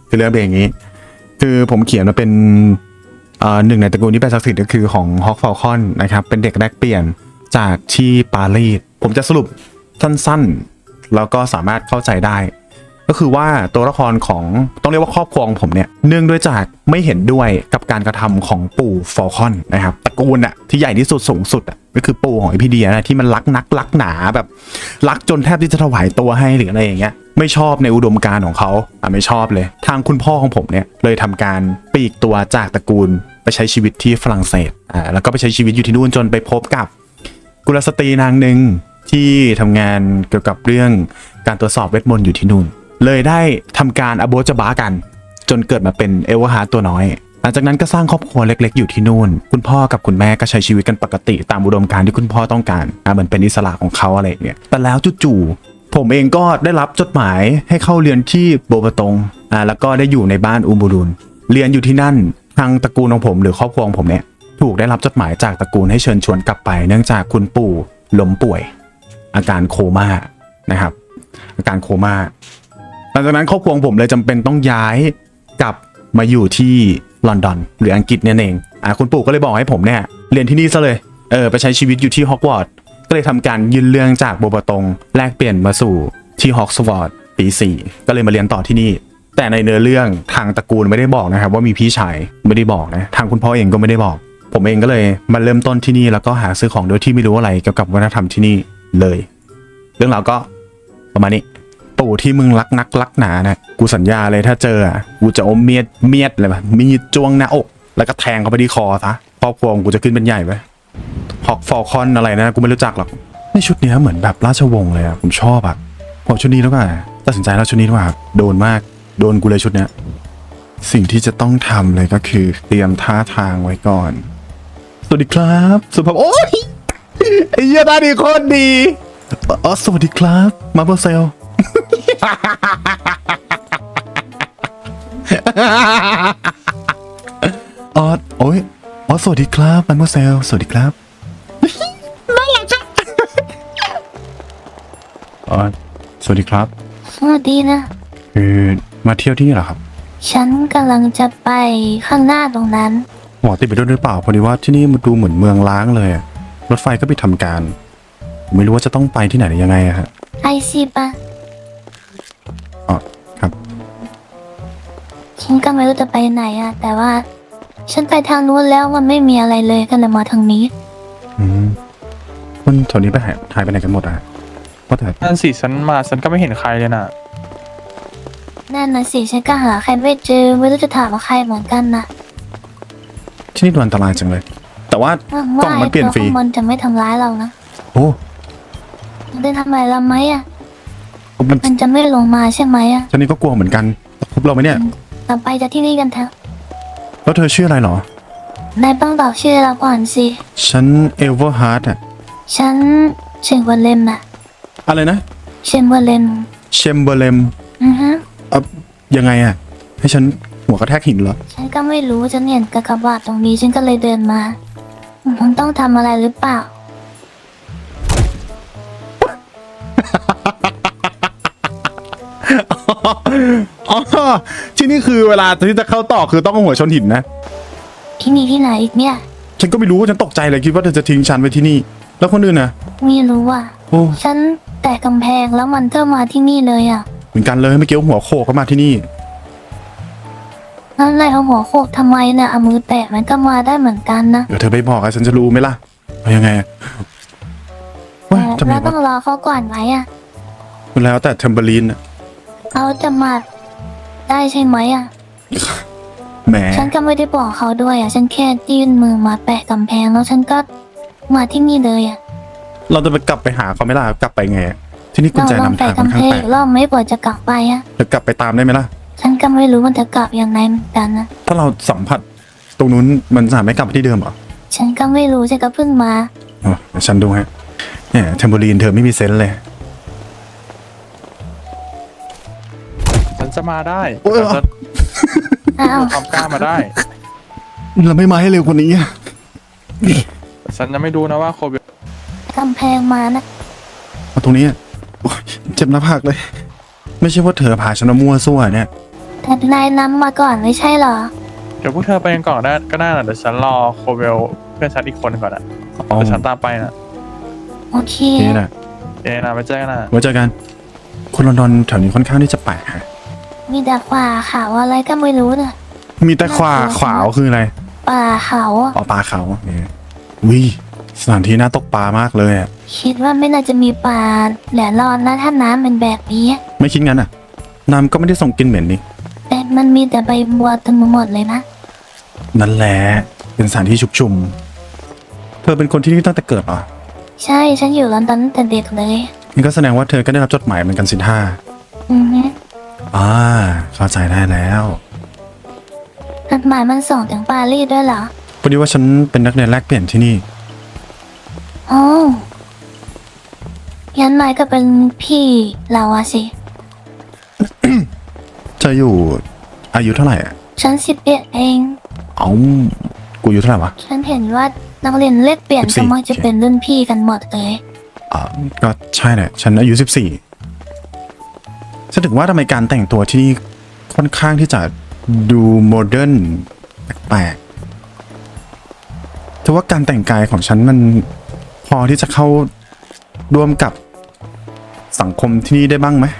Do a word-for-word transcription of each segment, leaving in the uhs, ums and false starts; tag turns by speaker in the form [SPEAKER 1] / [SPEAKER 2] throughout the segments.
[SPEAKER 1] คือเรื่องเป็นอย่างนี้ คือผมเขียนมาเป็นหนึ่งในตระกูลที่เป็นศักดิ์สิทธิ์ก็คือของฮอกฟอลคอนนะครับเป็นเด็กแลกเปลี่ยนจากที่ปารีสผมจะสรุปสั้นๆแล้วก็สามารถเข้าใจได้ก็คือว่าตัวละครของต้องเรียกว่าครอบครัวของผมเนี่ยเนื่องด้วยจากไม่เห็นด้วยกับการกระทำของปู่ฟอลคอนนะครับตระกูลอะที่ใหญ่ที่สุดสูงสุดอะก็คือปู่ของไอพีเดียนะที่มันรักนักรักหนาแบบรักจนแทบที่จะถวายตัวให้หรืออะไรอย่างเงี้ยไม่ชอบในอุดมการณ์ของเขาอ่ะไม่ชอบเลยทางคุณพ่อของผมเนี่ยเลยทำการปลีกตัวจากตระกูลไปใช้ชีวิตที่ฝรั่งเศสอ่าแล้วก็ไปใช้ชีวิตอยู่ที่นู่นจนไปพบกับกุลสตรีนางหนึ่งที่ทำงานเกี่ยวกับเรื่องการตรวจสอบเวทมนต์อยู่ที่นู่นเลยได้ทำการอโบจบากันจนเกิดมาเป็นเอลวาฮาร์ตัวน้อยหลังจากนั้นก็สร้างครอบครัวเล็กๆอยู่ที่นู่นคุณพ่อกับคุณแม่ก็ใช้ชีวิตกันปกติตามอุดมการณ์ที่คุณพ่อต้องการอ่าเหมือนเป็นอิสระของเขาอะไรอย่างเงี้ยแต่แล้วจู่ๆผมเองก็ได้รับจดหมายให้เข้าเรียนที่โบปตงอ่าแล้วก็ได้อยู่ในบ้านอูบูรุนเรียนอยู่ที่นั่นทางตระกูลของผมหรือครอบครัวของผมเนี่ยถูกได้รับจดหมายจากตระกูลให้เชิญชวนกลับไปเนื่องจากคุณปู่ล้มป่วยอาการโคม่านะครับอาการโคม่าหลังจากนั้นครอบครัวของผมเลยจำเป็นต้องย้ายกลับมาอยู่ที่ลอนดอนหรืออังกฤษเนี่ยเองอ่าคุณปู่ก็เลยบอกให้ผมเนี่ยเรียนที่นี่ซะเลยเออไปใช้ชีวิตอยู่ที่ฮอกวอตส์ก็เลยทำการยื่นเรื่องจากโบปตงแลกเปลี่ยนมาสู่ที่ฮอกสวอตส์ปีสี่ก็เลยมาเรียนต่อที่นี่แต่ในเนื้อเรื่องทางตระกูลไม่ได้บอกนะครับว่ามีพี่ชายไม่ได้บอกนะทางคุณพ่อเองก็ไม่ได้บอกผมเองก็เลยมาเริ่มต้นที่นี่แล้วก็หาซื้อของโดยที่ไม่รู้อะไรเกี่ยวกับวัฒนธรรมที่นี่เลยเรื่องราวก็ประมาณนี้ปู่ที่มึงรักนักรักหนานะกูสัญญาเลยถ้าเจออ่ะกูจะอมเมียดเมียดเลยป่ะมีดจ้วงหน้าอกแล้วก็แทงเข้าไปที่คอซะครอบครัวกูจะขึ้นเป็นใหญ่ไปฮอกฟอลคอนอะไรนะกูไม่รู้จักหรอกในชุดนี้เหมือนแบบราชวงศ์เลยอ่ะผมชอบอ่ะผมชุดนี้แล้วก็ตัดสินใจแล้วชุดนี้ว่าโดนมากโดนกูเลยชุดเนี้ยสิ่งที่จะต้องทำเลยก็คือเตรียมท่าทางไว้ก่อนสวัสดีครับสุภาพโอ้ยไอ้เหี้ยตาดีโคตรดีอ๋อสวัสดีครับมาเบอร์เซลอ๋อโอ้ยอ๋อสวัสดีครับมาเบอร์เซลสวัสดีครับน่ารักจังอ๋อสวัสดีครับ
[SPEAKER 2] สวัสดีนะ
[SPEAKER 1] คือมาเที่ยวที่นี่เหรอครับ
[SPEAKER 2] ฉันกำลังจะไปข้างหน้าตรงนั้น
[SPEAKER 1] หมอติดไปด้วยหรือเปล่าพอดีว่าที่นี่มันดูเหมือนเมืองล้างเลยรถไฟก็ไปทำการไม่รู้ว่าจะต้องไปที่ไหนหรือยังไงอะฮะ
[SPEAKER 2] ไอซีปะ
[SPEAKER 1] อ๋อครับ
[SPEAKER 2] ฉันก็ไม่รู้จะไปไหนอะแต่ว่าฉันไปทางนู้นแล้วมันไม่มีอะไรเลยก็เลยมาทางนี้
[SPEAKER 1] อืมคนแถวนี้ไปหายหายไปไหนกันหมดอะว่าแต่
[SPEAKER 3] นั่นสิฉันมาฉันก็ไม่เห็นใครเลยน่ะ
[SPEAKER 2] นั่นน่ะสิฉันก็หาใครไม่เจอไม่รู้จะถามว่าใครเหมือนกันนะ
[SPEAKER 1] ที่นี่ดูอันตรายจังเลยแต่ว่ากล่องมันเปลี่ยนฟรี
[SPEAKER 2] มันจะไม่ทำร้ายเรานะ
[SPEAKER 1] โอ้
[SPEAKER 2] มันได้ทำอะไรเราไหมอะ
[SPEAKER 1] มัน
[SPEAKER 2] มันจะไม่ลงมาใช่ไหมอะ
[SPEAKER 1] ฉันนี่ก็กลัวเหมือนกันพบเราไหมเนี่ย
[SPEAKER 2] ต่อไปจากที่นี่กันเถอะ
[SPEAKER 1] แล้วเธอชื่ออะไรหร
[SPEAKER 2] นายต้องบอกชื่อเราก่อนสิ
[SPEAKER 1] ฉันเอลเวอร์ฮาร์ดอะ
[SPEAKER 2] ฉันเชมเบอร์เลนอะ
[SPEAKER 1] อะไรนะ
[SPEAKER 2] เชมเบอร์เลน
[SPEAKER 1] เชมเบอร์เลน
[SPEAKER 2] อือฮะ
[SPEAKER 1] เอ่ะยังไงอะให้ฉันหัวกระแทกหินเหรอ
[SPEAKER 2] ฉันก็ไม่รู้ฉันเห็นกากบาทตรงนี้ฉันก็เลยเดินมามันต้องทำอะไรหรือเปล่า
[SPEAKER 1] อ๋อที่นี่คือเวลาที่จะเข้าต่อคือต้องเอาหัวชนหินนะ
[SPEAKER 2] ที่นี่ที่ไหนอีกเนี่ย
[SPEAKER 1] ฉันก็ไม่รู้ฉันตกใจเลยคิดว่าเธอจะทิ้งฉันไว้ที่นี่แล้วคนอื่นนะ
[SPEAKER 2] ไม่รู้อ่ะ
[SPEAKER 1] โอ้
[SPEAKER 2] ฉันแต่กำแพงแล้วมันก็มาที่นี่เลยอ่ะ
[SPEAKER 1] เหมือนกันเลยเมื่อกี้หัวโขกเข้ามาที่นี่
[SPEAKER 2] นั่นอะไรเอาหัวโขกทำไมเนี่ยเอามือแตะมันก็มาได้เหมือนกันนะ
[SPEAKER 1] เดี๋ยวเธอไปบอกอะฉันจะรู้ไหมล่ะเอายังไง
[SPEAKER 2] แต่เราต้องรอเขาก่อนไหมอ่ะ
[SPEAKER 1] แล้วแต่เทมเบอรีน
[SPEAKER 2] เขาจะมาได้ใช่ไหมอ่ะ
[SPEAKER 1] แหม
[SPEAKER 2] ฉันก็ไม่ได้บอกเขาด้วยอ่ะฉันแค่ยื่นมือมาแปะกำแพงแล้วฉันก็มาที่นี่เลยอ่ะ
[SPEAKER 1] เราจะไปกลับไปหาเขาไหมล่ะกลับไปไงที่นี่กุญแจนำทางค่อนข้างแปลก
[SPEAKER 2] รอบไม่ปวดจะกลับไปอ่ะ
[SPEAKER 1] จะกลับไปตามได้ไหมล่ะ
[SPEAKER 2] ฉันก็ไม่รู้มันจะกลับยังไงเหมือนกันนะ
[SPEAKER 1] ถ้าเราสัมผัสตรงนู้นมันสามารถไม่กลับไปที่เดิมหรอ
[SPEAKER 2] ฉันก็ไม่รู้ฉันก็เพิ่งมา
[SPEAKER 1] อ๋อเดี๋ยวฉันดูฮะเนี่ยเทมเบอรีนเธอไม่มีเซนส์เลย
[SPEAKER 3] ฉันจะมาได้ฉันทำกล้ามาได้
[SPEAKER 1] เราไม่มาให้เร็วกว่านี้
[SPEAKER 3] ฉันจะไม่ดูนะว่าโควิด
[SPEAKER 2] กำแพงมานะ
[SPEAKER 1] มาตรงนี้เจ็บหน้าผากเลยไม่ใช่ว่าเธอพาฉันมามั่วซั่วเนี่ย
[SPEAKER 2] แต่นายนำมาก่อนไม่ใช่เหรอ
[SPEAKER 3] เดี๋ยวพวกเธอไปกันก่อนได้ก็ได้นะเดี๋ยวฉันรอโคเวลเพื่อนฉันอีกคนก่อนอะ
[SPEAKER 1] อ๋อ
[SPEAKER 3] เดี๋ยวฉันตามไปนะ
[SPEAKER 2] โอเค
[SPEAKER 1] นี่แหละ
[SPEAKER 3] เอ้นะไปเจอกันนะ
[SPEAKER 1] ไว้เจอกัน คนลอนดอนแถวนี้ค่อนข้างที่จะแปลกฮะ
[SPEAKER 2] มีแต่ขวาเขาอะไรก็ไม่รู้น่ะ
[SPEAKER 1] มีแต่ขวาขวาวคืออะไร
[SPEAKER 2] ป่าเขาอะ
[SPEAKER 1] อ๋อปลาเขาเนี่ยวิสถานที่น่าตกปลามากเลยอะ
[SPEAKER 2] คิดว่าไม่น่าจะมีป่าแหลรอนนะถ้าน้ำเป็นแบบนี้
[SPEAKER 1] ไม่คิดงั้นอ่ะ น้ำก็ไม่ได้ส่งกลิ่นเหม็นนี่
[SPEAKER 2] แต่มันมีแต่ใบบัวเต็มไปหมดเลยนะ
[SPEAKER 1] นั่นแหละ เป็นสถานที่ชุกชุม เธอเป็นคนที่นี่ตั้งแต่เกิดเหรอ
[SPEAKER 2] ใช่ฉันอยู่ลอนดอนตั้งแต่เด็กเลย
[SPEAKER 1] นี่ก็แสดงว่าเธอก็ได้รับจดหมายเหมือนกันสิท่า
[SPEAKER 2] อือฮึ
[SPEAKER 1] อ่าเข้าใจได้แล้ว
[SPEAKER 2] จดหมายมันส่งถึงปารีสด้วยเหรอ
[SPEAKER 1] พอดีว่าฉันเป็นนักเรียนแลกเปลี่ยนที่นี่
[SPEAKER 2] อ๋อยันนายก็เป็นพี่เราอะสิ
[SPEAKER 1] เธออยู่อายุเท่าไหร่อ่ะ
[SPEAKER 2] ฉันสิบเอ็ดเอง
[SPEAKER 1] เอ้ากูอายุเท่าไหร่วะ
[SPEAKER 2] ฉันเห็นว่านักเรียนเลขเปลี่ยน
[SPEAKER 1] สิบสี่
[SPEAKER 2] ก็มักจะเป็นรุ่นพี่กันหมดเลย
[SPEAKER 1] อ่าก็ใช่แหละฉันอายุสิบสี่ฉันถึงว่าทำไมการแต่งตัวที่นี่ค่อนข้างที่จะดูโมเดิร์นแปลกๆแต่ว่าการแต่งกายของฉันมันพอที่จะเข้าร่วมกับสังคมที่นี่ได้บ้างไหม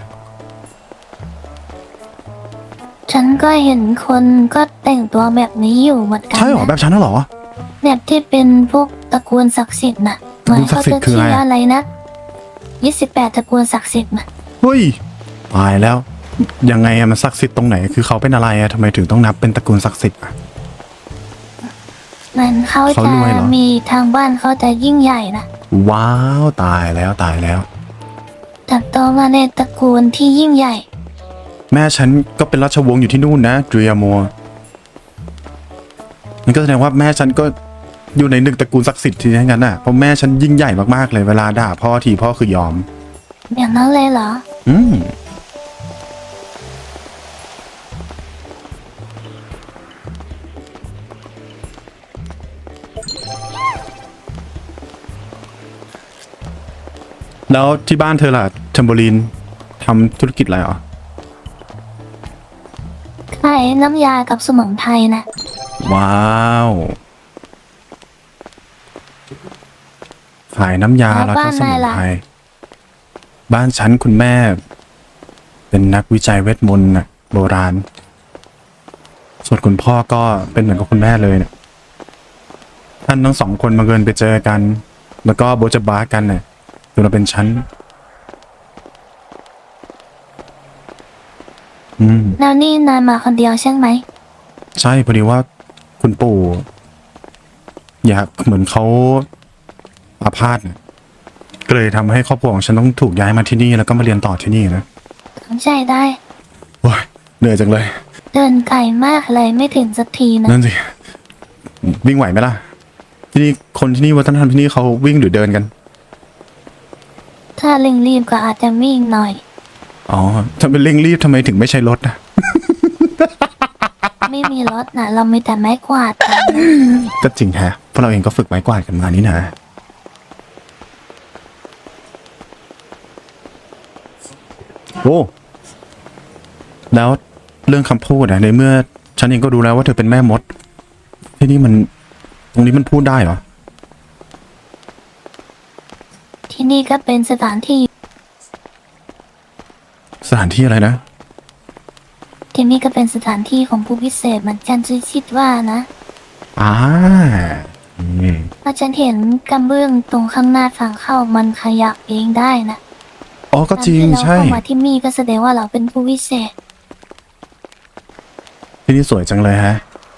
[SPEAKER 2] ฉันก็เห็นคนก็แต่งตัวแบบนี้อยู่เหมือนกัน
[SPEAKER 1] ใช่หรอแบ
[SPEAKER 2] นะ
[SPEAKER 1] บฉันน่ะเหรอ
[SPEAKER 2] แบบที่เป็นพวกตระกูลศักดิ์สิทธิ์น่ะ
[SPEAKER 1] ตระกูลศักดิ์สิทธิ์คืออะไร
[SPEAKER 2] เหมืนเขาจชื่อะไรนะยี่สิบแปดตระกูลศักดิ์สิทธิ์น่ะ
[SPEAKER 1] เฮ้ยตายแล้ว ยังไงอะมันศักดิ์สิทธิ์ตรงไหนคือเขาเป็นอะไรอะทำไมถึงต้องนับเป็นตระกูลศักดิ์สิทธิ์อะ
[SPEAKER 2] มันเขา
[SPEAKER 1] เขา
[SPEAKER 2] จะ
[SPEAKER 1] รวยเหรอ
[SPEAKER 2] มีทางบ้านเขาจะยิ่งใหญ่นะ
[SPEAKER 1] ว้าวตายแล้วตายแล้ว
[SPEAKER 2] เติบโตมาในตระกูลที่ยิ่งใหญ่
[SPEAKER 1] แม่ฉันก็เป็นราชวงศ์อยู่ที่นู่นนะเดรียมัวนั่นก็แสดงว่าแม่ฉันก็อยู่ในหนึ่งตระกูลศักดิ์สิทธิ์ที่นั่นกันน่ะเพราะแม่ฉันยิ่งใหญ่มากๆเลยเวลาด่าพ่อทีพ่อคือยอม
[SPEAKER 2] อย่างนั้นเลยเหรอ
[SPEAKER 1] อืมแล้วที่บ้านเธอล่ะเทมโบลีนทำธุรกิจอะไรเหรอ
[SPEAKER 2] ขายน้ำยากับสมุนไพรนะ
[SPEAKER 1] ว้าวขายน้ำยาแล้วก็สมุนไพรบ้านฉันคุณแม่ เป็นนักวิจัยเวทมนต์น่ะโบราณ ส่วนคุณพ่อก็เป็นเหมือนกับคุณแม่เลยเนี่ยท่านทั้งสองคนมาเกินไปเจอกัน แล้วก็โบจะบ้ากันเนี่ยจนมาเป็นฉันอืม
[SPEAKER 2] แล้วนี่นายมาคนเดียวใช่ไหม
[SPEAKER 1] ใช่พอดีว่าคุณปู่ อยากเหมือนเขาอาพาธน่ะก็เลยทำให้ครอบครัวของฉันต้องถูกย้ายมาที่นี่แล้วก็มาเรียนต่อที่นี่นะ
[SPEAKER 2] เข้าใจได้
[SPEAKER 1] ว้ายเหนื่อยจังเลย
[SPEAKER 2] เดินไกลมากเลยไม่ถึงสักทีนะ
[SPEAKER 1] นั่นสิวิ่งไหวไหมล่ะ ที่นี่คนที่นี่วัฒนธรรมที่นี่เขาวิ่งหรือเดินกัน
[SPEAKER 2] ถ้าเร่งรีบก็อาจจะวิ่งหน่อย
[SPEAKER 1] อ๋อถ้าเป็นเร่งรีบทำไมถึงไม่ใช้รถนะ
[SPEAKER 2] ไม่มีรถนะเรามีแต่ไม้กวาดกัน
[SPEAKER 1] ก็จริงแฮะเพราะเราเองก็ฝึกไม้กวาดกันมานี่นะโอ้แล้วเรื่องคำพูดอะในเมื่อฉันเองก็รู้แล้วว่าเธอเป็นแม่มด ที่นี่มัน ตรงนี้มันพูดได้เหรอ
[SPEAKER 2] ที่นี่ก็เป็นสถานที่
[SPEAKER 1] สถานที่อะไรนะ
[SPEAKER 2] ที่นี่ก็เป็นสถานที่ของผู้พิเศษเหมือนกันฉันคิดว่านะ
[SPEAKER 1] อ่าอืม
[SPEAKER 2] เพราะฉันเห็นกระเบื้องตรงข้างหน้าทางเข้ามันขยับเองได้นะ
[SPEAKER 1] อ๋อก็จริง
[SPEAKER 2] การที่เรา
[SPEAKER 1] ใช่
[SPEAKER 2] เข้ามาที่นี่ก็แสดงว่าเราเป็นผู้พิเศษ
[SPEAKER 1] ที่นี่สวยจังเลยฮะ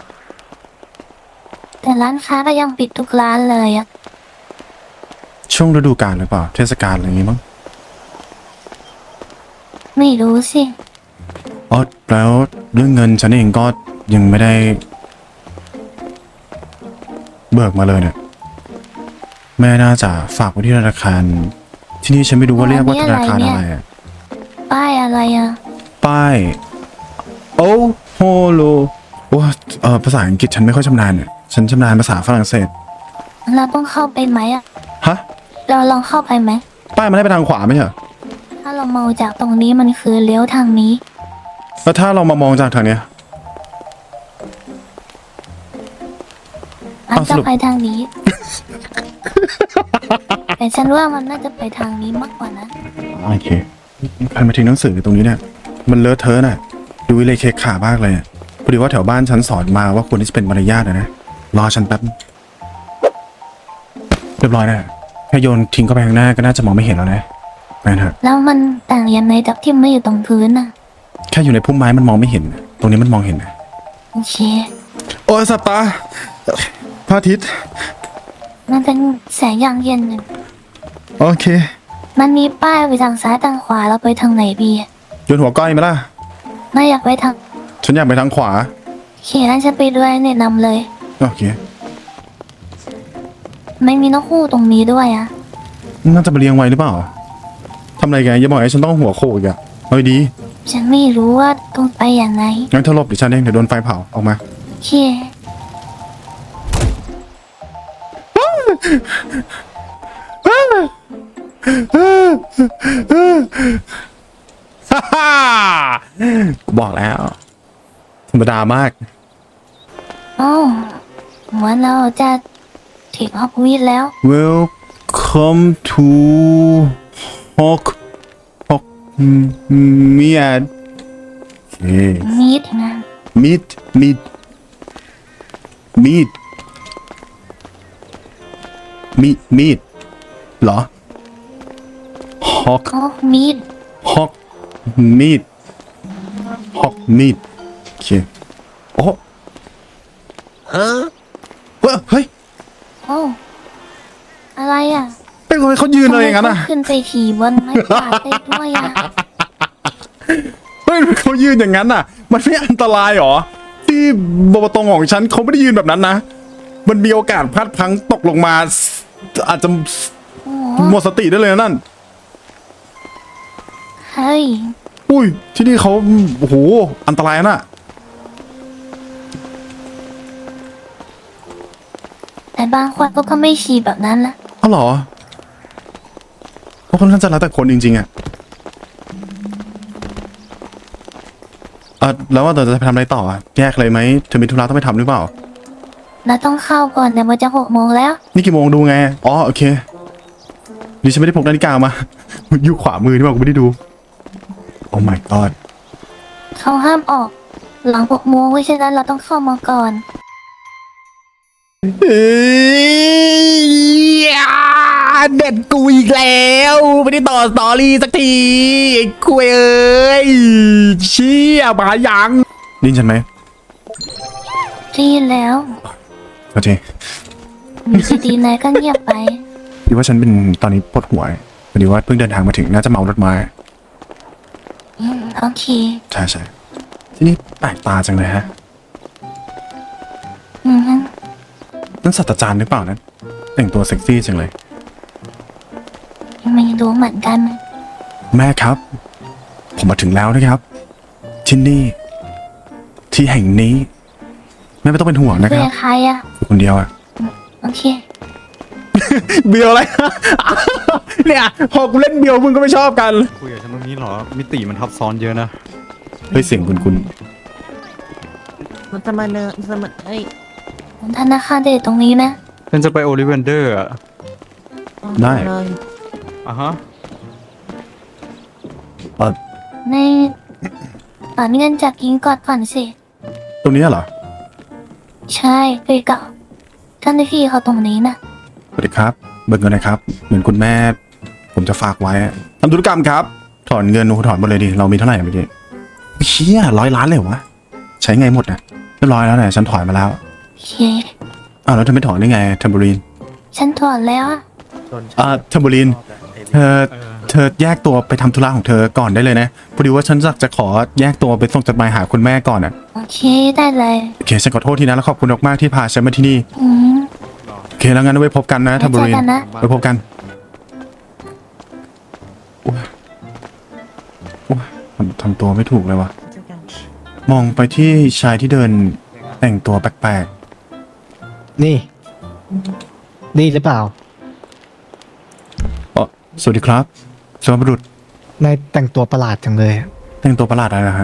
[SPEAKER 2] แต่ร้านค้าก็ยังปิดทุกร้านเลยอะ
[SPEAKER 1] ช่วงฤดูกาลหรือเปล่า เทศกาลอะไรอย่างงี้มั้ง
[SPEAKER 2] ไม่รู้สิ
[SPEAKER 1] อ๋อแล้วเรื่องเงินฉันเองก็ยังไม่ได้ เบิกมาเลยเนี่ยแม่น่าจะฝากไว้ที่ธนาคาร ที่นี่ฉันไม่รู้ว่าเรียกว่าธนาคารอะไรอะ
[SPEAKER 2] ป้ายอะไรอะ
[SPEAKER 1] ป้ายโอ้โฮโลโอ้เออภาษาอังกฤษฉันไม่ค่อยชำนาญเนี่ยฉันชำนาญภาษาฝรั่งเศส
[SPEAKER 2] เราต้องเข้าไปไหมอะ
[SPEAKER 1] ฮะ
[SPEAKER 2] เราลองเข้าไปไหม
[SPEAKER 1] ป้ายมันให้ไปทางขวาไม่ใช่เหรอ
[SPEAKER 2] ถ้าเรามองจากตรงนี้มันคือเลี้ยวทางนี้
[SPEAKER 1] แล้วถ้าเรามามองจากทางเนี้ย
[SPEAKER 2] มัน
[SPEAKER 1] เอาส
[SPEAKER 2] จะ
[SPEAKER 1] รุป
[SPEAKER 2] ไปทางนี้ แต่ฉันว่ามันน่าจะไปทางนี้มากกว่านะ
[SPEAKER 1] โอเคใครมาทิ้งหนังสือตรงนี้เนี่ย มันเลอะเทอะน่ะ ดูเลยเคขามากเลยอะพอดีว่าแถวบ้านฉันสอนมาว่าควรที่จะเป็นมารยาทนะนะ รอฉันแป๊บ เรียบร้อยนะแค่โยนทิ้งเข้าไปข้างหน้าก็น่าจะมองไม่เห็นแล้วนะไปเถอะ
[SPEAKER 2] แล้วมันต่างยังไงจากที่ไม่อยู่ตรงพื้นน่ะ
[SPEAKER 1] แค่อยู่ในพุ่มไม้มันมองไม่เห็น ตรงนี้มันมองเห็นนะ
[SPEAKER 2] โอเค
[SPEAKER 1] โอ้ยสับตาพระอาทิตย์
[SPEAKER 2] มันเป็นแสงอย่างเย็นหนึ่ง
[SPEAKER 1] โอเค
[SPEAKER 2] มันมีป้ายไปทางซ้ายทางขวาเราไปทางไหนดีอะ
[SPEAKER 1] โยนหัวก้อยไหมล่ะ
[SPEAKER 2] ไม่อยากไปทาง
[SPEAKER 1] ฉันอยากไปทางขวา
[SPEAKER 2] โอเคงั้นฉันไปด้วยแนะนำเลย
[SPEAKER 1] โอเค
[SPEAKER 2] ไม่มีนกฮูกตรงนี้ด้วยอะ
[SPEAKER 1] น่าจะมาเลี้ยงไว้หรือเปล่าทำอะไรกันอย่าบอกให้ฉันต้องหัวโขกอีกอะเอาดี
[SPEAKER 2] ฉันไม่รู้ว่าต้องไปอย่างไร
[SPEAKER 1] งั้นเธอหลบเดี๋ยวฉันเองเดี๋ยวโดนไฟเผาออกมา
[SPEAKER 2] โอเค
[SPEAKER 1] ฮ่าฮ่าบอกแล้ว ธรรมดามาก
[SPEAKER 2] โอ้เหมือนเราจะถึงฮอกวีดแล้ว
[SPEAKER 1] Welcome to Hawk Hawk Mead โอเค
[SPEAKER 2] มีดนะ
[SPEAKER 1] Meat Meat Meat Meat Meat เหรอ Hawk
[SPEAKER 2] โอ้มีด
[SPEAKER 1] Hawk Meat Hawk Meat โอเคโอ้ฮะเฮ้ย
[SPEAKER 2] โอ้อะไรอ่ะ
[SPEAKER 1] เป็นคนเขายืนเลยอย่างนั้นอ่ะ
[SPEAKER 2] ทำไมเขขึ้นไปขี่บนไม้กวาดได้ด้วยอ่ะ
[SPEAKER 1] เฮ้ยเขายืนอย่างนั้นอ่ะ มันไม่อันตรายหรอ ที่บวตงของฉันเขาไม่ได้ยืนแบบนั้นนะ มันมีโอกาสพลาดพลั้งตกลงมา อาจจะ
[SPEAKER 2] โอ้โห
[SPEAKER 1] หมดสติได้เลยนะนั่น
[SPEAKER 2] เฮ้ย
[SPEAKER 1] อุ้ย ที่นี่เขาโอ้โห อันตรายนะ
[SPEAKER 2] แต่บางคนก็ไม่ขี่แบบนั้นละ
[SPEAKER 1] อ๋อเหรอเพราะคนท่านจะแล้วแต่คนจริงๆอ่ะอ่ะแล้วว่าเราจะไปทำอะไรต่ออ่ะแยกเลยไหมเธอมีธุระต้องไปทำหรือเปล่า
[SPEAKER 2] เราต้องเข้าก่อนแต่มันจะหกโมงแล้ว
[SPEAKER 1] นี่กี่โมงดูไง อ๋อโอเคดิฉันไม่ได้พกนาฬิกามา อยู่ขวามือที่บอกกูไม่ได้ดู โอ้ my god
[SPEAKER 2] เขาห้ามออก หลังหกโมงเพราะฉะนั้นเราต้องเข้ามาก่อน
[SPEAKER 1] เอ้ยเด็ดกูอีกแล้วไม่ได้ต่อสตอรี่สักทีไอ้คุยเอ้ยเชี่ยมายังไดยินฉันไหม
[SPEAKER 2] รีบแล้ว
[SPEAKER 1] โอเค
[SPEAKER 2] อยู่ดีๆนายก็เงียบไป
[SPEAKER 1] ดีว่าฉันเป็นตอนนี้ปวดหัวพอดีว่าเพิ่งเดินทางมาถึงน่าจะเมารถมา
[SPEAKER 2] อืมโอเค
[SPEAKER 1] ใช่ใช่ที่นี่แปลกตาจังเลยฮะ
[SPEAKER 2] อืม
[SPEAKER 1] นั่นศาสตราจารย์หรือเปล่านั้นแต่งตัวเซ็กซี่จังเลย
[SPEAKER 2] ไม่รู้เหมือนกัน
[SPEAKER 1] แม่ครับ ผมมาถึงแล้วนะครับ ที่นี่ ที่แห่งนี้แม่ไม่ต้องเป็นห่วงนะค
[SPEAKER 2] เพื่
[SPEAKER 1] รั
[SPEAKER 2] อบ ใครอ่ะ
[SPEAKER 1] อยู่คนเดียวอะ
[SPEAKER 2] โอเค
[SPEAKER 1] เบียวอะไร เนี่ยพอกูเล่นเบียวมึงก็ไม่ชอบกัน
[SPEAKER 3] คุยกับฉันตรงนี้เหรอ มิติมันทับซ้อนเยอะนะ
[SPEAKER 1] เฮ้ยเสียงคุณคุณ
[SPEAKER 4] มันจะมาเนอะมันจะมาเอ้ย
[SPEAKER 2] ธนาคารเด็ดตรงนี้นะ
[SPEAKER 3] ฉันจะไปโอลิเวนเดอร์อะ
[SPEAKER 1] ได้
[SPEAKER 4] เลย
[SPEAKER 3] อ่ะฮะ
[SPEAKER 1] เอ่อ
[SPEAKER 2] ในถอนเงินจากกิงกอดก่อนสิ
[SPEAKER 1] ตรงนี้เหรอ
[SPEAKER 2] ใช่ไปเก่าท่านพี่เขาตรงนี้นะ
[SPEAKER 1] สวัสดีครับ เบิกเงินนะครับ เหมือนคุณแม่ ผมจะฝากไว้อะทำธุรกรรมครับ ถอนเงินโอ้โหถอนหมดเลยดิ เรามีเท่าไหร่เมื่อกี้เชี่ยร้อยล้านเลยเหรอวะ ใช้ไงหมดนะเรียบร้อยแล้วเนี่ยฉันถอนมาแล้ว
[SPEAKER 2] โอเค
[SPEAKER 1] อ้าวแล้วเธอไม่ถอนได้ไงเทมโบรีน
[SPEAKER 2] ฉันถอนแล้วอะ
[SPEAKER 1] อ่าเทมโบรีน เธอ เธอแยกตัวไปทำธุระของเธอก่อนได้เลยนะ พอดีว่าฉันจะจะขอแยกตัวไปส่งจดหมายหาคุณแม่ก่อนอ่ะ
[SPEAKER 2] โอเคได้เลย
[SPEAKER 1] โอเคฉันขอโทษทีนะแล้วขอบคุณมากๆที่พาฉันมาที่นี่
[SPEAKER 2] อืม
[SPEAKER 1] โอเคแล้วงั้นไว้พบกันนะเทมโบรีน
[SPEAKER 2] ไว้เจอกันนะ
[SPEAKER 1] ไว้พบกันโอ้ยโอ้ยทำทำตัวไม่ถูกเลยวะ
[SPEAKER 4] เจอกัน
[SPEAKER 1] มองไปที่ชายที่เดินแต่งตัวแปลก
[SPEAKER 5] นี่ นี่หรือเปล่า
[SPEAKER 1] ๆอ๋อสวัสดีครับสวัสดีบุรุษ
[SPEAKER 5] นายแต่งตัวประหลาดจังเลย
[SPEAKER 1] แต่งตัวประหลาดอะไรนะฮะ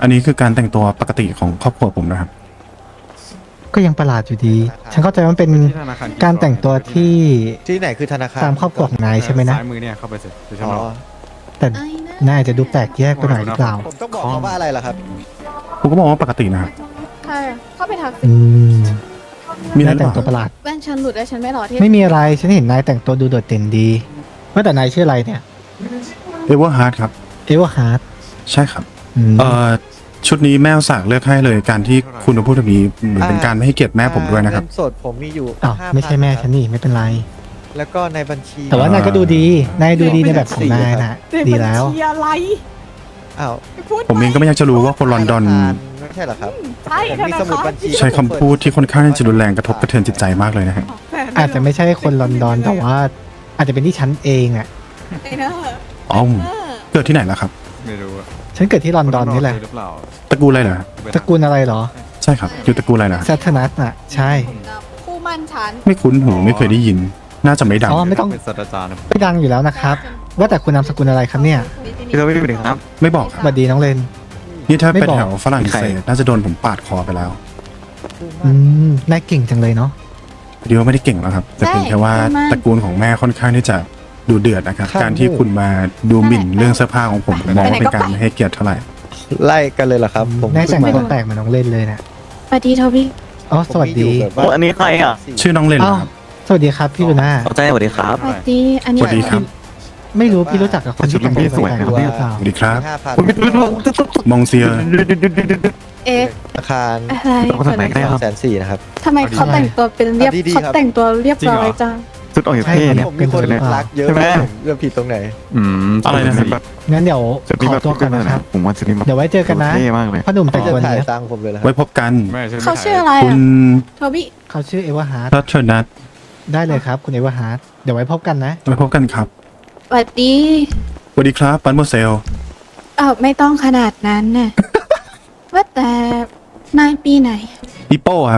[SPEAKER 1] อันนี้คือการแต่งตัวปกติของครอบครัวผมนะครับ
[SPEAKER 5] ก็ยังประหลาดอยู่ดี ฉันเข้าใจว่ามันเป็น
[SPEAKER 3] ที่ธนาคาร
[SPEAKER 5] การแต่งตัวที่
[SPEAKER 4] ที่ไหนคือธนาคาร
[SPEAKER 5] ตามครอบครัวของนายใช่ไหมนะ
[SPEAKER 3] ซ้ายมือเนี่ยเข้าไปสิเดี๋ยวฉัน
[SPEAKER 4] อ๋อ
[SPEAKER 3] บอก
[SPEAKER 5] แต่นายอาจจะดูแปลกแยกไปหน่อยหรือเปล่า
[SPEAKER 4] ผมต้องบอกเขาว่าอะไรล่ะครับ
[SPEAKER 1] ผมก็มองว่าปกตินะครับ
[SPEAKER 6] ใช่เข้าไปทักสิ
[SPEAKER 5] อืม
[SPEAKER 1] มีอะไร
[SPEAKER 5] นาย
[SPEAKER 1] หรือ
[SPEAKER 5] แต่ง
[SPEAKER 1] เป
[SPEAKER 5] ตัว
[SPEAKER 1] ล่า
[SPEAKER 5] ประหลาด
[SPEAKER 6] แว่นฉันหลุดแล้วฉันไม่หล่อที่
[SPEAKER 5] ไม่มีอะไร ฉันเห็นนายแต่งตัวดูโดดเด่นดี ว่าแต่นายชื่ออะไรเนี่ย
[SPEAKER 1] เอเวอร์ฮาร์ดครับ
[SPEAKER 5] เอวฮาร์ด
[SPEAKER 1] ใช่ครับ
[SPEAKER 5] อืม
[SPEAKER 1] เอ่อชุดนี้แม่อุตสากเลือกให้เลยการที่คุณมาพูดแบบนี้เหมือนเป็นการไม่ให้เกียรติแม่ผมด้วยนะครับ
[SPEAKER 4] เงินสดผมมีอยู่
[SPEAKER 5] อ้าว
[SPEAKER 4] ห้าพัน
[SPEAKER 5] ไม่ใช่แม่ฉันนี่ไม่เป็นไร
[SPEAKER 4] แล้วก็ในบัญชี
[SPEAKER 5] แต่ว่านายก็ดูดี นายดูดีในแบบของนายนะดีแล้ว
[SPEAKER 6] เชียร์อะไร
[SPEAKER 4] อ้าว
[SPEAKER 6] พูด
[SPEAKER 1] ผมเองก็ไม่อยากจะรู้ว่าคนลอนดอน
[SPEAKER 4] ไม่ใช่เหรอครับ
[SPEAKER 6] ใช่
[SPEAKER 4] ผมมีสมุดบัญชี
[SPEAKER 1] ใช้คำพูดที่ค่อนข้างจะรุนแรงกระทบกระเทือนจิตใจมากเลยนะฮะ
[SPEAKER 5] อาจจะไม่ใช่คนลอนดอนแต่ว่า อาจจะเป็นที่ฉันเองอ่ะ
[SPEAKER 6] ไอ้เนอะ
[SPEAKER 1] อ๋อเกิดที่ไหนล่ะครับ
[SPEAKER 3] ไม่รู้อะ
[SPEAKER 5] ฉันเกิดที่ลอนดอนนี่แหละ
[SPEAKER 3] หรือเปล่า
[SPEAKER 1] ตระกูลอะไรเหรอ
[SPEAKER 5] ตระกูลอะไรเหรอ
[SPEAKER 1] ใช่ครับ อยู่ตระกูลอะไรนะ
[SPEAKER 5] แซทนัสอ่ะ ใช่
[SPEAKER 6] คู่มั่นฉัน
[SPEAKER 1] ไม่คุ้นหูไม่เคยได้ยิน น่าจะไม่ดัง
[SPEAKER 5] อ๋อไม่ต้อง
[SPEAKER 3] เป็นศาสตราจารย์นะ
[SPEAKER 5] ไม่ดังอยู่แล้วนะครับ ว่าแต่คุณนามสกุลอะไรครับเนี่ย
[SPEAKER 7] พี่เราไม่ได้ครับ
[SPEAKER 1] ไม่บอก
[SPEAKER 5] สวัสดีน้องเลน
[SPEAKER 1] นี่ถ้า
[SPEAKER 5] ไม่
[SPEAKER 1] เป็น
[SPEAKER 5] บอก
[SPEAKER 1] แถวฝรั่งเศสน่าจะโดนผมปาดคอไปแล้ว
[SPEAKER 5] อืมนายเก่งจังเลยเนาะ
[SPEAKER 1] เดียวาไม่ได้เก่งแล้วครับ แต่เพียงแค่ว่าตระกูลของแม่ค่อนข้างที่จะดูเดือดนะครับ การที่คุณมาดูหมิ่นเรื่องเสื้อผ้าของผมผมมองว่าเป็นการไม่ให้เกียรติเท่าไหร่
[SPEAKER 4] ไล่กันเลยเหรอครับ ผม
[SPEAKER 5] นายแต่งตัวแปลกเหมือนน้องเลนเลยนะ
[SPEAKER 6] สวัสดีโทบี้
[SPEAKER 5] อ๋อสวัสดี
[SPEAKER 4] ผมมีอยู่แบบ
[SPEAKER 7] โอ้อันนี้ใครอ่ะ
[SPEAKER 1] ชื่อน้องเลนเหรอครับ
[SPEAKER 5] สวัสดีครับพี่ลูน่า
[SPEAKER 7] เข้าใจสวัสดีครับ
[SPEAKER 6] สวัสดีอันนี้
[SPEAKER 1] สวัสดีครับ
[SPEAKER 5] ไม่รู้พี่รู้จักกับคนที่แต่งตัวแปลกๆหรือเปล่า
[SPEAKER 1] สวัสดีครับ
[SPEAKER 4] ห้าพัน
[SPEAKER 1] มองเซีย
[SPEAKER 6] เอ๊ะ
[SPEAKER 4] ธนาคาร
[SPEAKER 6] อะไร
[SPEAKER 7] คนไหนก็ได้ครับ
[SPEAKER 4] แสนสี่นะครับ
[SPEAKER 6] ทำไมเขาแต่งตัวเป็นเรียบ
[SPEAKER 4] เอาดีๆ
[SPEAKER 6] เขา
[SPEAKER 4] ครับ
[SPEAKER 6] แต่งตัวเรียบร้อยจัง
[SPEAKER 7] สุดออกจากเท่เนี่ย
[SPEAKER 4] ผมมีคน
[SPEAKER 5] เป็นคน
[SPEAKER 4] รักเยอะ
[SPEAKER 7] ใช่ไหม
[SPEAKER 4] ผมเรื่องผิดตรงไหน
[SPEAKER 7] อืม
[SPEAKER 1] อะไรนะครับ
[SPEAKER 7] แบบ
[SPEAKER 5] งั้นเดี๋ยว
[SPEAKER 7] จุดนี้
[SPEAKER 5] ข
[SPEAKER 7] แบ
[SPEAKER 5] อบ ตัวก่อนนะครับ
[SPEAKER 7] ผมว่าจุดนี้แบบ
[SPEAKER 5] เดี๋ยวไว้เจอกันนะ
[SPEAKER 7] เท่มากเลย
[SPEAKER 5] พ่อหนุ่มแต่ง
[SPEAKER 4] จะ
[SPEAKER 5] ตัว
[SPEAKER 4] ถ่าย
[SPEAKER 5] เนี้ย
[SPEAKER 4] ตังค์ผมเลยเหรอค
[SPEAKER 1] ไว้
[SPEAKER 4] รับ
[SPEAKER 1] พบกัน
[SPEAKER 3] ไม่ใช่
[SPEAKER 6] เขาชื่ออะไร
[SPEAKER 1] คุ
[SPEAKER 6] อ่ะ
[SPEAKER 1] ณ
[SPEAKER 6] โทบี้
[SPEAKER 5] เขาชื่อเอวาฮาร์ด
[SPEAKER 1] พัทเทอร์นัท
[SPEAKER 5] ได้เลยครับคุณเอวาฮาร์ดเดี๋ยวไว้พบกันนะ
[SPEAKER 1] ไว้พบกันครับ
[SPEAKER 6] สวัสดี
[SPEAKER 1] สวัสดีครับปันโมเซล
[SPEAKER 6] เออไม่ต้องขนาดนั้นน่ะ ว่าแต่นายปีไหน
[SPEAKER 1] ปิโป้ครับ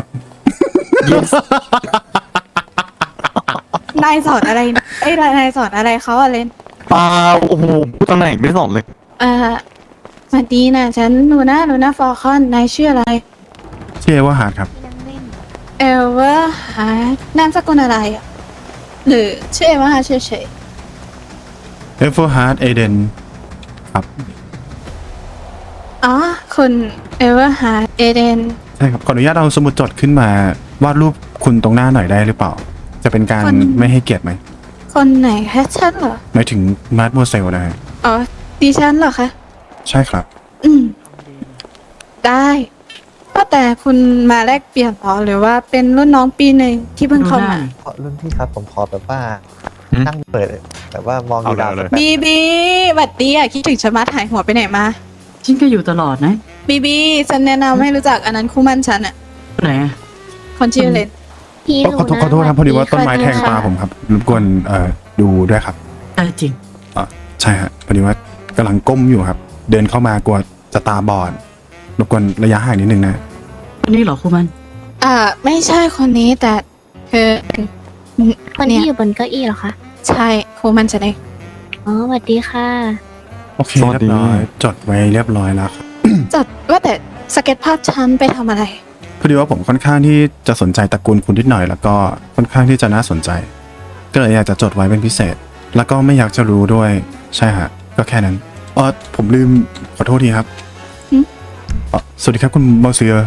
[SPEAKER 6] นายสอนอะไรไอ้ยนายสอนอะไรเขาอะเลน
[SPEAKER 7] ปาโอ้โหตำแหน่งไม่สอนเลย
[SPEAKER 6] เออสวัสดีนะฉันหนูนะหนูนะฟอร์คอนนายชื่ออะไร
[SPEAKER 1] ชื่อเอเวอร์ฮาร์ดครับ
[SPEAKER 6] เอลเวอร์ฮาร์ดนามสกุลอะไรอ่ะ หรือชื่อเอลเวอร์ฮาร์ดเฉย
[SPEAKER 1] เอเวอร์ฮาร์ดเอเดนครับ
[SPEAKER 6] ๆอ๋อคุณเอลเวอร์ฮาร์ดเอเดน
[SPEAKER 1] ใช่ครับขออนุญาตเอาสมุดจดขึ้นมาวาดรูปคุณตรงหน้าหน่อยได้หรือเปล่า จะเป็นการไม่ให้เกียรติไหม
[SPEAKER 6] คนไหนคะฉันเหรอ
[SPEAKER 1] หมายถึงมาร์ทโมเซลนะฮะ
[SPEAKER 6] อ๋อดิฉันเหรอคะ
[SPEAKER 1] ใช่ครับ
[SPEAKER 6] อืม ได้ว่าแต่คุณมาแลกเปลี่ยนเหรอหรือว่าเป็นรุ่นน้องปีหนึ่งที่เพิ่งเข้ามา
[SPEAKER 4] ขอรุ่นพี่ครับผมขอแบบว่า
[SPEAKER 7] อืม
[SPEAKER 4] นั่งเปิดแบบว่ามองอยู่ดาวสักแป๊บ
[SPEAKER 6] บีบีหวัดดีอ่ะคิดถึงฉันมาถ่ายหัวไปไหนมา
[SPEAKER 8] ฉันก็อยู่ตลอดนะ
[SPEAKER 6] บีบีฉันแนะนำให้รู้จักอันนั้นคู่มั่นฉันอ่ะ
[SPEAKER 8] ไหนอะ
[SPEAKER 6] คนชื่อเลน
[SPEAKER 2] พี่
[SPEAKER 1] ขอโทษขอโทษครับพอดีว่าต้นไม้แทงตาผมครับรบกวนเอ่อดูด้วยครับ
[SPEAKER 8] เออจริง
[SPEAKER 1] อ่ะใช่ฮะพอดีว่ากำลังก้มอยู่ครับ เดินเข้ามากลัวจะตาบอดรบกวนระยะห่างนิดนึงนะ
[SPEAKER 8] วันนี้เหรอครูมัน
[SPEAKER 6] อ่า ไม่ใช่คนนี้แต่คือ
[SPEAKER 2] คนที่อยู่บนเก้าอี้เหรอคะ
[SPEAKER 6] ใช่คู่มั่นฉันเอง
[SPEAKER 2] อ๋อสวัสดีค่ะ
[SPEAKER 1] โอเค
[SPEAKER 7] สวัส
[SPEAKER 1] เรีย
[SPEAKER 7] ดี
[SPEAKER 1] บร้อยจดไว้เรียบร้อยแล้วครับ
[SPEAKER 6] จัดว่าแต่สเก็ตภาพฉันไปทำอะไร
[SPEAKER 1] พอดีว่าผมค่อนข้างที่จะสนใจตระกูลคุณนิดหน่อยแล้วก็ค่อนข้างที่จะน่าสนใจ ก็เลยอยากจะจดไว้เป็นพิเศษ แล้วก็ไม่อยากจะรู้ด้วยใช่ฮะก็แค่นั้นอ๋อผมลืมขอโทษทีครับ
[SPEAKER 6] หึ
[SPEAKER 1] อ๋อสวัสดีครับคุณมอเซีย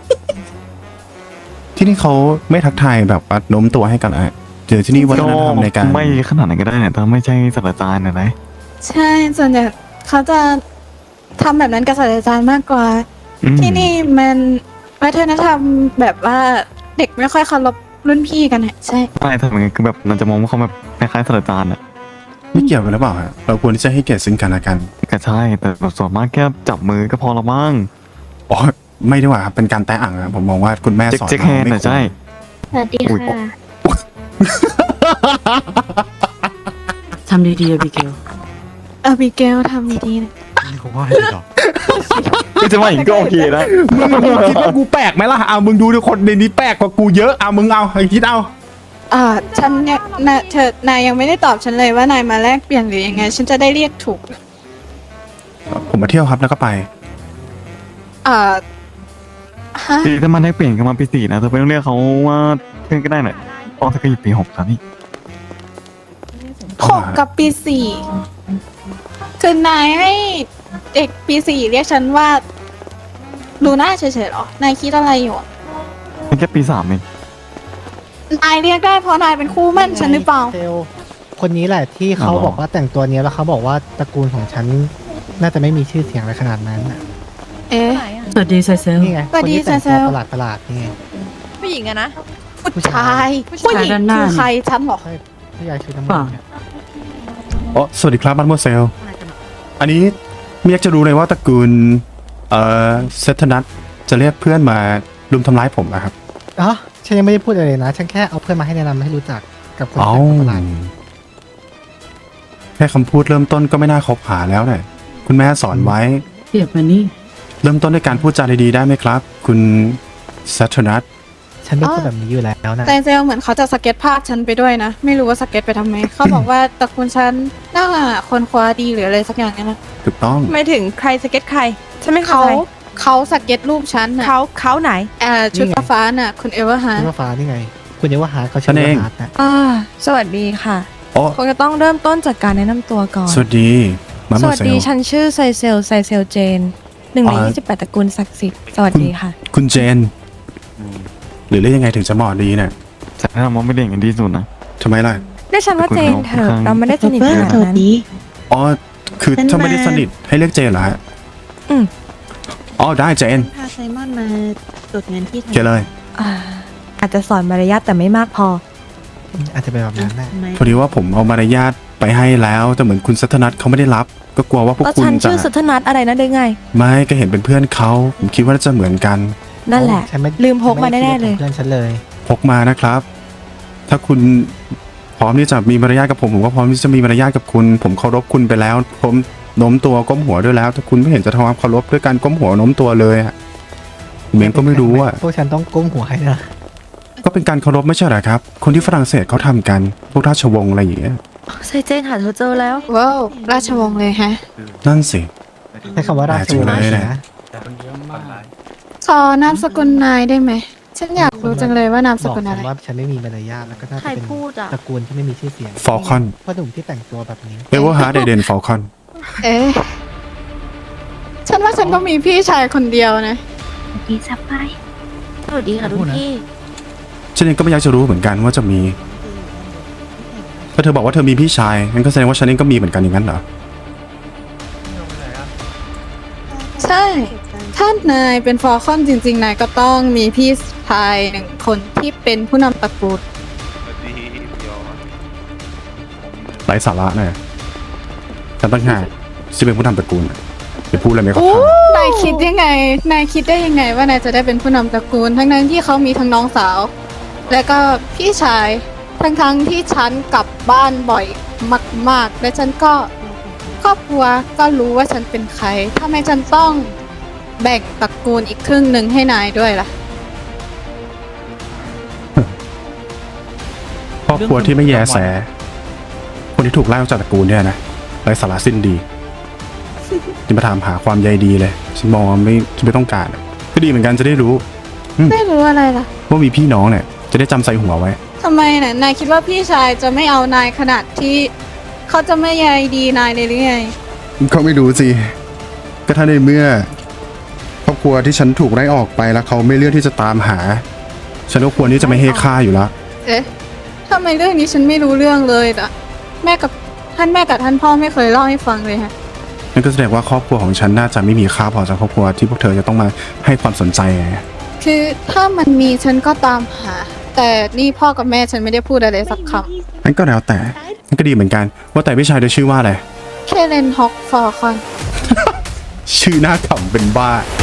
[SPEAKER 1] ที่นี่เขาไม่ทักทายแบบว่าโน้มตัวให้กันอะเจอที่นี่วัฒนธรรมในการ
[SPEAKER 7] ไม่ขนาดนั้นก็ได้เนี่ยแต่ไม่ใช่ศาสตราจารย์นะนะ
[SPEAKER 6] ใช่ส่วนใหญ่เขาจะทำแบบนั้นกับศาสตราจารย์มากกว่า
[SPEAKER 7] อืม
[SPEAKER 6] ที่นี่มันวัฒนธรรมแบบว่าเด็กไม่ค่อยเคารพรุ่นพี่กันอะใช่
[SPEAKER 7] ไม่ทำยังไงคือแบบเราจะมองว่าเขาแบบคล้ายๆศาสตราจารย์อ่ะ
[SPEAKER 1] ไม่เกี่ยวกันหรือเปล่าฮะเราควรที่จะให้เกียรติซึ่งกันและกัน
[SPEAKER 7] ก็ใช่แต่แบบส่วนมากแค่จับมือก็พอละมั้ง
[SPEAKER 1] อ๋อไม่ดีกว่าครับเป็นการแตะอ่างครับผมมองว่าคุณแม่
[SPEAKER 7] เจ๊ก
[SPEAKER 1] สอน
[SPEAKER 7] เจ๊ก
[SPEAKER 1] มา
[SPEAKER 7] แฮนด์
[SPEAKER 1] ไม่
[SPEAKER 7] น่ะ
[SPEAKER 1] ควร
[SPEAKER 7] ใช่
[SPEAKER 2] สวัสดี
[SPEAKER 7] อุ๊ย
[SPEAKER 2] ค่ะ
[SPEAKER 8] ทำดีๆอะบิเกล
[SPEAKER 6] เออบิเกลทำดีๆนะ
[SPEAKER 7] ก็จะว่าอย่างนี้ก็โอเคนะ
[SPEAKER 1] มึงมึงคิดว่ากูแปลกไหมล่ะเอามึงดูดิคนในนี้แปลกกว่ากูเยอะเอามึงเอาไอ้คิดเอา
[SPEAKER 6] อ่าฉันเนี่ยนะเธอนายยังไม่ได้ตอบฉันเลยว่านายมาแลกเปลี่ยนหรือยังไง ฉันจะได้เรียกถูก
[SPEAKER 1] ผมมาเที่ยวครับแล้วก็ไป
[SPEAKER 6] เอ่อฮะ
[SPEAKER 7] ปีถ้ามันได้เปลี่ยนกันมาปีสี่นะเธอไม่ต้องเรียกเขาว่าเพื่อนก็ได้หน่อยเพราะเธอก็อยู่ปีหกแล้วนี่
[SPEAKER 6] หกกับปีสี่คือนายให้เด็กปีสี่เรียกฉันว่าลูน่าเฉยๆเหรอนายคิดอะไรอยู่อะ
[SPEAKER 7] เป็นแค่ปีสามเอง
[SPEAKER 6] นายเรียกได้เพราะนายเป็นคู่มั่นฉันหรือเปล่า
[SPEAKER 5] เซลคนนี้แหละที่เขาบอกว่าแต่งตัวเนี้ยแล้วเขาบอกว่าตระกูลของฉันน่าจะไม่มีชื่อเสียงอะไรขนาดนั้นน่ะ
[SPEAKER 6] เอ๊ะ
[SPEAKER 8] สวัสดีไซเซล
[SPEAKER 5] นี่ไง
[SPEAKER 6] สวัสดี
[SPEAKER 5] คนที่แต่ง
[SPEAKER 6] เซ
[SPEAKER 5] ตัว
[SPEAKER 6] ล
[SPEAKER 5] ประหลาดประหลาดๆนี่ไง
[SPEAKER 9] ผู้หญิงอะนะ
[SPEAKER 6] ผู้ชาย
[SPEAKER 8] ผู้
[SPEAKER 6] ผู้
[SPEAKER 8] ชาย
[SPEAKER 6] หญิง
[SPEAKER 8] ด้านหน้า
[SPEAKER 6] คือใครฉันเหรอ
[SPEAKER 5] ใช่ผู้ยายชื่อน้ำ
[SPEAKER 8] เป
[SPEAKER 5] มั
[SPEAKER 8] ล่า
[SPEAKER 5] นเนี่ย
[SPEAKER 1] อ๋อสวัสดีครับบัตโมเซล อันนี้ไม่อยากจะรู้เลยว่าตระกูลเอ่อเซธนัทจะเรียกเพื่อนมารุมทำร้ายผมนะครับ
[SPEAKER 5] อ๋อฉันยังไม่ได้พูดอะไรเลยนะ ฉันแค่เอาเพื่อนมาให้แนะนำให้รู้จักกับคน
[SPEAKER 1] เอ้า
[SPEAKER 5] แต่งตัวประหลาด
[SPEAKER 1] แค่คำพูดเริ่มต้นก็ไม่น่าคบหาแล้วเนี่ยคุณแม่สอนไว้
[SPEAKER 8] เปรียบมานี่
[SPEAKER 1] เริ่มต้นด้วยการพูดจาดีๆได้ไหมครับ คุณเซธนัท
[SPEAKER 5] ฉันเป็น
[SPEAKER 6] อ๋อ
[SPEAKER 5] คนแบบนี้อยู่แล้วนะ
[SPEAKER 6] แต่เซลเหมือนเขาจะสเก็ตภาพฉันไปด้วยนะ ไม่รู้ว่าสเก็ตไปทำไม เขาบอกว่าตระกูลฉันน่าคนคว้าดีหรืออะไรสักอย่างเนี่ยนะ
[SPEAKER 1] ถูกต้อง
[SPEAKER 9] ไม่ถึงใครสเก็ตใคร ฉันไม่เข้า
[SPEAKER 6] เขา
[SPEAKER 9] ใจ
[SPEAKER 6] เขาสเก็ตรูปฉันน่ะ
[SPEAKER 9] เขาเขาไหน
[SPEAKER 6] เอ่อชุดฟ้าๆน่ะ คุณเอเวอร์ฮาร์
[SPEAKER 5] ชื่อว่าฟ้านี่ไง คุณเยาวหาเขา
[SPEAKER 1] ฉั
[SPEAKER 5] ชื่อน
[SPEAKER 1] เอง
[SPEAKER 5] ว่าฮาร์ดนะ
[SPEAKER 9] อ่า สวัสดีค่ะ
[SPEAKER 1] อ๋อ
[SPEAKER 9] คงจะต้องเริ่มต้นจากการแนะนำตัวก่อน
[SPEAKER 1] สวัสดีมา
[SPEAKER 9] ส
[SPEAKER 1] โม
[SPEAKER 9] วัส
[SPEAKER 1] เซ
[SPEAKER 9] ดี
[SPEAKER 1] ล
[SPEAKER 9] ฉันชื่อไซเซล ไซเซลเจน หนึ่งใน
[SPEAKER 1] อ๋อ
[SPEAKER 9] ยี่สิบแปดตระกูลศักดิ์สิทธิ์ สวัสดีค่ะ
[SPEAKER 1] คุณเจน หรือเรียกยังไงถึงจะเหมาะดีเนี่ย
[SPEAKER 7] ฉันแนะนำว่าไม่เรียนกันที่สุดนะ
[SPEAKER 1] ทำไมล่ะ
[SPEAKER 9] เรียกฉันว่าเจนเถอะ เราไม่ได้สนิทขนาดนั้น
[SPEAKER 1] อ๋อ คือถ้าไม่ได้สนิทให้เรียกเจนเหรอฮะ
[SPEAKER 9] อืม
[SPEAKER 1] อ๋อ ได้เจน
[SPEAKER 10] พาไซมอนมาตรวจเงินที่ไทย
[SPEAKER 1] เจนเลย
[SPEAKER 9] อ่า อาจจะสอนมารยาทแต่ไม่มากพอ
[SPEAKER 5] อาจจะเป็นแบบนั้นแหละ
[SPEAKER 10] ทำไม
[SPEAKER 1] พอดีว่าผมเอามารยาทไปให้แล้ว แต่เหมือนคุณสัทนัทเขาไม่ได้รับ ก็กลัวว่าพวก
[SPEAKER 9] แล้ว
[SPEAKER 1] คุณ
[SPEAKER 9] ฉัน
[SPEAKER 1] จะ
[SPEAKER 9] ชื่อสุทธนัทอะไรนะเด้ไง
[SPEAKER 1] ไม่ก็เห็นเป็นเพื่อนเขา ผมคิดว่าน่าจะเหมือนกัน
[SPEAKER 9] นั่นแหละ
[SPEAKER 5] ฉันไ
[SPEAKER 9] ลืมพกมาแน่ๆเลย
[SPEAKER 5] เพื่อนฉันเลย
[SPEAKER 1] พกมานะครับ ถ้าคุณพร้อมที่จะมีมารยาทกับผม ผมก็พร้อมที่จะมีมารยาทกับคุณ ผมเคารพคุณไปแล้ว ผมโน้มตัวก้มหัวด้วยแล้ว ถ้าคุณไม่เห็นจะทำความเคารพด้วยการก้มหัวโน้มตัวเลยอะผมเองก็ไม่รู้อะ
[SPEAKER 5] พวกฉันต้องก้มหัวให้นะ
[SPEAKER 1] ก็เป็นการเคารพไม่ใช่เหรอครับ คนที่ฝรั่งเศสเขาทำกัน พวกราชวงศ์อะไรอย่างเงี้ย
[SPEAKER 9] ไซเจนหาเธอเจอแล้ว
[SPEAKER 6] ว้าวราชวงศ์เลยฮะ
[SPEAKER 1] นั่นสิ
[SPEAKER 5] ใช้คำว่าราชวงศ์
[SPEAKER 1] แปลกจังเลย
[SPEAKER 5] นะ
[SPEAKER 6] ขอนามสกุลนายได้ไหม ฉันอยากรู้จังเลยว่านามส
[SPEAKER 5] บอก
[SPEAKER 6] กุล
[SPEAKER 5] ฉั
[SPEAKER 6] อะไร
[SPEAKER 5] นว่าฉันไม่มีมารยาทแล้วก็น่าจะ
[SPEAKER 10] ใคร
[SPEAKER 5] เป็น
[SPEAKER 10] พูดอ่ะ
[SPEAKER 5] ตระกูลที่ไม่มีชื่อเสียง
[SPEAKER 1] ฟอลคอน
[SPEAKER 5] เพราะหนุ่มที่แต่งตัวแบบนี้
[SPEAKER 1] เอเวอร์ฮาร์ดเอเดนฟอลคอน
[SPEAKER 6] เอ๊ะ ฉันว่าฉันก็มีพี่ชายคนเดียวนะ
[SPEAKER 2] ดีสบาย
[SPEAKER 10] สวัสดีค่ะรุ่นพี่
[SPEAKER 1] ฉันเองก็ไม่อยากจะรู้เหมือนกันว่าจะมีถ้าเธอบอกว่าเธอมีพี่ชายงั้นก็แสดงว่าฉันเองก็มีเหมือนกันอย่างนั้นเหรอ
[SPEAKER 6] ใช่ ถ้านายเป็นฟอร์คอนจริงๆ นายก็ต้องมีพี่ชายหนึ่งคนที่เป็นผู้นำตระกูล
[SPEAKER 1] ไร้สาระเนี่ยฉันตั้งหากที่เป็นผู้นำตระกูลน่ะจะพูดอะไรไม่เข้าทาง
[SPEAKER 6] นายคิดยังไง นายคิดได้ยังไงว่านายจะได้เป็นผู้นำตระกูล ทั้งนั้นที่เขามีทั้งน้องสาว และก็พี่ชาย ทั้งทั้งๆที่ฉันกลับบ้านบ่อยมากๆ และฉันก็ครอบครัวก็รู้ว่าฉันเป็นใครทำไมฉันต้องแบ่งตระกูลอีกครึ่งหนึ่งให้นายด้วยล่ะ
[SPEAKER 1] ครอบครัวที่ไม่แยแส คนที่ถูกไล่ออกจากตระกูลเนี่ยนะไร้สาระสิ้นดีที่มาถามหาความใยดีเลยฉันมองว่าไม่ฉันไม่ต้องการอะก็ดีเหมือนกันจะได้รู้
[SPEAKER 6] ไม่รู้อะไรล่ะ
[SPEAKER 1] ว่ามีพี่น้องเนี่ยจะได้จำใส่หัวไว้
[SPEAKER 6] ทำไมน่ะ นายคิดว่าพี่ชายจะไม่เอานายขนาดที่เขาจะไม่ใยดีนายเลยหรือไง
[SPEAKER 1] เขาไม่รู้สิ ก็ถ้าในเมื่อครอบครัวที่ฉันถูกไล่ออกไปแล้วเขาไม่เลือกที่จะตามหา ฉันก็ควรที่จะไม่ให้ค่าอยู่แล้ว
[SPEAKER 6] เอ๊ะทำไมเรื่องนี้ฉันไม่รู้เรื่องเลยล่ะ แม่กับท่านแม่กับท่านพ่อไม่เคยเล่าให้ฟังเลยฮะ
[SPEAKER 1] นั่นก็แสดงว่าครอบครัวของฉันน่าจะไม่มีค่าพอจากครอบครัวที่พวกเธอจะต้องมาให้ความสนใจไง
[SPEAKER 6] คือถ้ามันมีฉันก็ตามหา แต่นี่พ่อกับแม่ฉันไม่ได้พูดอะไรสักค
[SPEAKER 1] นั่นก็แล้วแต่นั่นก็ดีเหมือนกัน ว่าแต่พี่ชายจะชื่อว่าอะไร
[SPEAKER 6] ำเคเลนฮอกฟอร์คอน
[SPEAKER 1] ชื่อหน้าขำเป็นบ้า